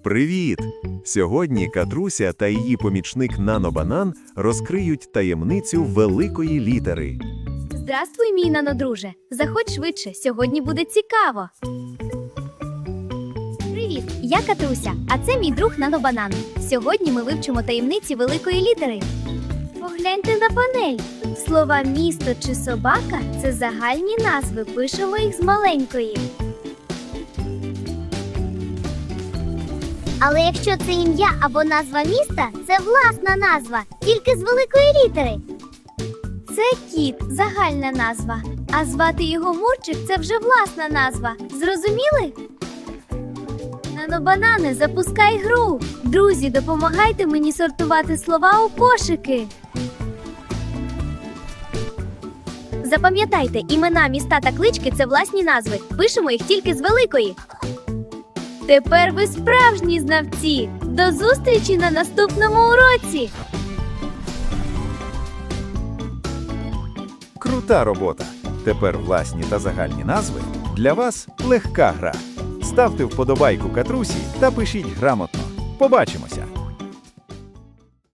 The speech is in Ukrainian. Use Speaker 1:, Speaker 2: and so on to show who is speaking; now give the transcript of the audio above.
Speaker 1: Привіт! Сьогодні Катруся та її помічник Нано-банан розкриють таємницю великої літери.
Speaker 2: Здравствуй, мій нанодруже. Заходь швидше, сьогодні буде цікаво. Привіт, я Катруся, а це мій друг Нано-банан. Сьогодні ми вивчимо таємниці великої літери. Погляньте на панель. Слова місто чи собака – це загальні назви, пишемо їх з маленької.
Speaker 3: Але якщо це ім'я або назва міста, це власна назва, тільки з великої літери.
Speaker 2: Це кіт – загальна назва, а звати його Мурчик – це вже власна назва. Зрозуміли? Нано-банане, запускай гру! Друзі, допомагайте мені сортувати слова у кошики. Запам'ятайте, імена, міста та клички – це власні назви. Пишемо їх тільки з великої. Тепер ви справжні знавці! До зустрічі на наступному уроці!
Speaker 1: Крута робота! Тепер власні та загальні назви для вас легка гра. Ставте вподобайку Катрусі та пишіть грамотно. Побачимося!